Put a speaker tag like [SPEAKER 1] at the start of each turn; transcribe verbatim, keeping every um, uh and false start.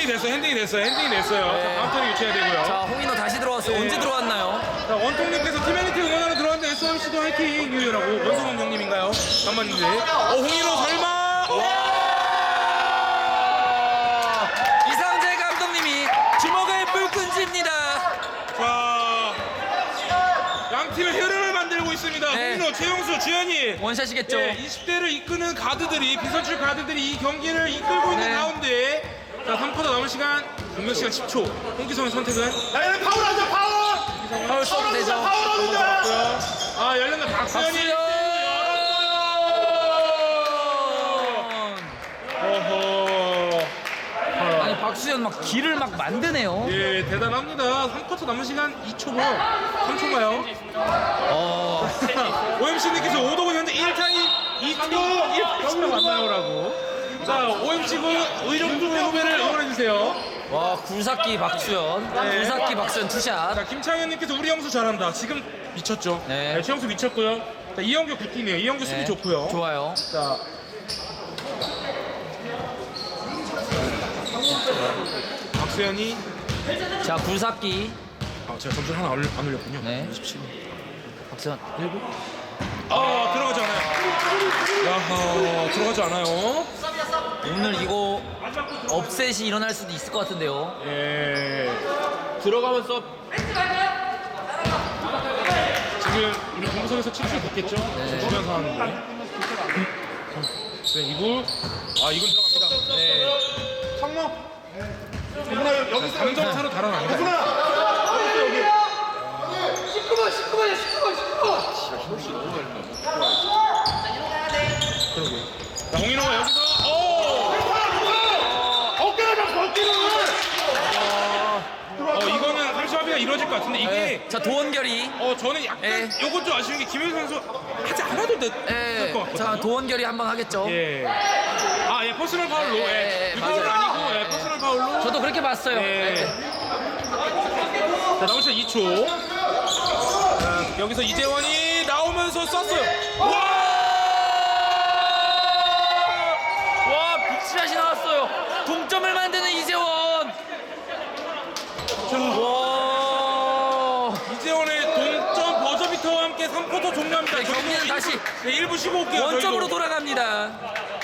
[SPEAKER 1] 핸딩이 됐어요. 핸딩이 됐어요. 핸딩이 됐어요.
[SPEAKER 2] 네.
[SPEAKER 1] 자, 다음 턴에 유치해야 되고요.
[SPEAKER 2] 자, 홍인호 다시 들어왔어요.
[SPEAKER 1] 네.
[SPEAKER 2] 언제 들어왔나요?
[SPEAKER 1] 자, 원통님께서 팀애니티 응원하러 들어왔는데 에스엠씨도 화이팅 유유라고 원성원 형님인가요? 잠만인데. 어, 홍인호 설마?
[SPEAKER 2] 이상재 감독님이 주먹을 불끈 쥡니다.
[SPEAKER 1] 자, 양 팀의 흐름을 만들고 있습니다.
[SPEAKER 2] 네.
[SPEAKER 1] 홍인호, 최용수, 주현이.
[SPEAKER 2] 원샷이겠죠.
[SPEAKER 1] 예, 이십 대를 이끄는 가드들이 비선출 가드들이 이 경기를 이끌고 있는
[SPEAKER 2] 네.
[SPEAKER 1] 가운데 자, 삼 쿼터 남은 시간 공격 시간 십 초. 홍기성의 선택은
[SPEAKER 3] 야, 얘는 파울하자, 파울!
[SPEAKER 2] 파울 써도 되죠.
[SPEAKER 3] 파울하자!
[SPEAKER 1] 아, 열렸나 박수현이
[SPEAKER 2] 박수현!
[SPEAKER 1] 어허.
[SPEAKER 2] 아니 박수현 막 길을 막 만드네요.
[SPEAKER 1] 예, 대단합니다. 삼 쿼터 남은 시간 이 초고 삼 초가요.
[SPEAKER 2] 어.
[SPEAKER 1] 오엠씨님께서 오덕은 현재 일 타임 이 초 일 타임 맞나요라고. 자, 오엠씨군 의정부 후배를 응원해주세요.
[SPEAKER 2] 와 굴삭기 박수현.
[SPEAKER 1] 네.
[SPEAKER 2] 굴삭기 박수현 투샷.
[SPEAKER 1] 자, 김창현님께서 우리 형수 잘한다. 지금 미쳤죠?
[SPEAKER 2] 네.
[SPEAKER 1] 네, 최영수 미쳤고요. 자, 이영규 굿팀이에요. 이영규 수비
[SPEAKER 2] 네.
[SPEAKER 1] 좋고요.
[SPEAKER 2] 좋아요.
[SPEAKER 1] 자, 박수현이
[SPEAKER 2] 자 굴삭기.
[SPEAKER 1] 아, 제가 점수 하나 안 올려- 안 올렸군요.
[SPEAKER 2] 네.
[SPEAKER 1] 이십칠.
[SPEAKER 2] 박수현 일곱.
[SPEAKER 1] 아, 들어가지 않아요. 야하, 들어가지 않아요.
[SPEAKER 2] 오늘 이거 업셋이 일어날 수도 있을 것 같은데요.
[SPEAKER 1] 예. 들어가면서 지금 우리 공부석에서 칠칠 됐겠죠?
[SPEAKER 2] 네.
[SPEAKER 1] 주변 상황인데. 네, 이구. 아, 이건 들어갑니다. 네.
[SPEAKER 3] 상모! 누구나 여기 있어.
[SPEAKER 1] 삼 점 차로 달아납니다.
[SPEAKER 3] 십구 번, 십구 번이야, 십구 번, 십구 번!
[SPEAKER 1] 자, 홍인호가 여기서 오!
[SPEAKER 3] 어깨가 잡고, 어깨를!
[SPEAKER 1] 어, 이거는 삼십 합의가 이루어질 것 같은데 이게
[SPEAKER 2] 네. 자 도원결이.
[SPEAKER 1] 어, 저는 약간
[SPEAKER 2] 예.
[SPEAKER 1] 요건 좀 아쉬운 게 김혜수 선수 하지 않아도 될
[SPEAKER 2] 예.
[SPEAKER 1] 것 같거든요.
[SPEAKER 2] 자 도원결이 한번 하겠죠.
[SPEAKER 1] 예. 아, 예, 퍼스널 파울로.
[SPEAKER 2] 예,
[SPEAKER 1] 예.
[SPEAKER 2] 예,
[SPEAKER 1] 파울은
[SPEAKER 2] 맞아요.
[SPEAKER 1] 아니고 예, 퍼스널 파울로.
[SPEAKER 2] 저도 그렇게 봤어요.
[SPEAKER 1] 예.
[SPEAKER 2] 예.
[SPEAKER 1] 자, 남은 시간 이 초. 자, 여기서 이재원이 나오면서 쐈어요. 와!
[SPEAKER 2] 와 빅샷이 나왔어요. 동점을 만드는 이재원. 와.
[SPEAKER 1] 이재원의 동점 버저비터와 함께 삼 쿼터 종료합니다.
[SPEAKER 2] 네, 경기는
[SPEAKER 1] 저희도
[SPEAKER 2] 다시
[SPEAKER 1] 일 부, 네, 일 부 쉬고 올게요.
[SPEAKER 2] 원점으로
[SPEAKER 1] 저희도.
[SPEAKER 2] 돌아갑니다.